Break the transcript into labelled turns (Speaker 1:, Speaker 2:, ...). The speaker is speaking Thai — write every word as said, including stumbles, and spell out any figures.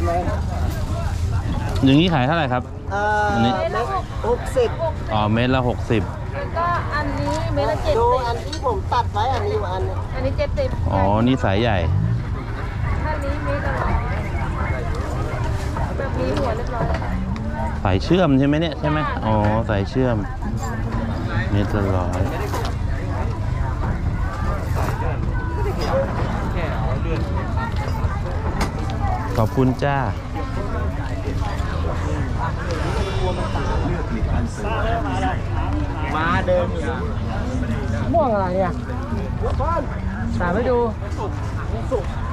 Speaker 1: อย่างนี้ขายเท่าไหร่ครับ
Speaker 2: เอ่อ
Speaker 1: อันนี้
Speaker 2: เม็ดหกสิบ
Speaker 1: อ๋อเม็ดละหกสิบ
Speaker 3: แล้วก็อันนี้เม็ดละเจ็ด
Speaker 2: ดู
Speaker 3: สิบ
Speaker 2: อันที่ผมตัดไว้อันนี้อันนี้
Speaker 3: อันนี้เจ็ดสิบ
Speaker 1: อ๋อนี่สายใหญ่
Speaker 3: ถ้านี้เม็ดละร้อยแบบนี้หัวเรียบร้อยแล้วค่ะ
Speaker 1: สายเชื่อมใช่ไหมเนี่ยใช่ไหมอ๋อสายเชื่อมเม็ดละร้อยขอบคุณจ้า
Speaker 2: มาเดินม่วงอะไรเนี่ยสามไปดูสุก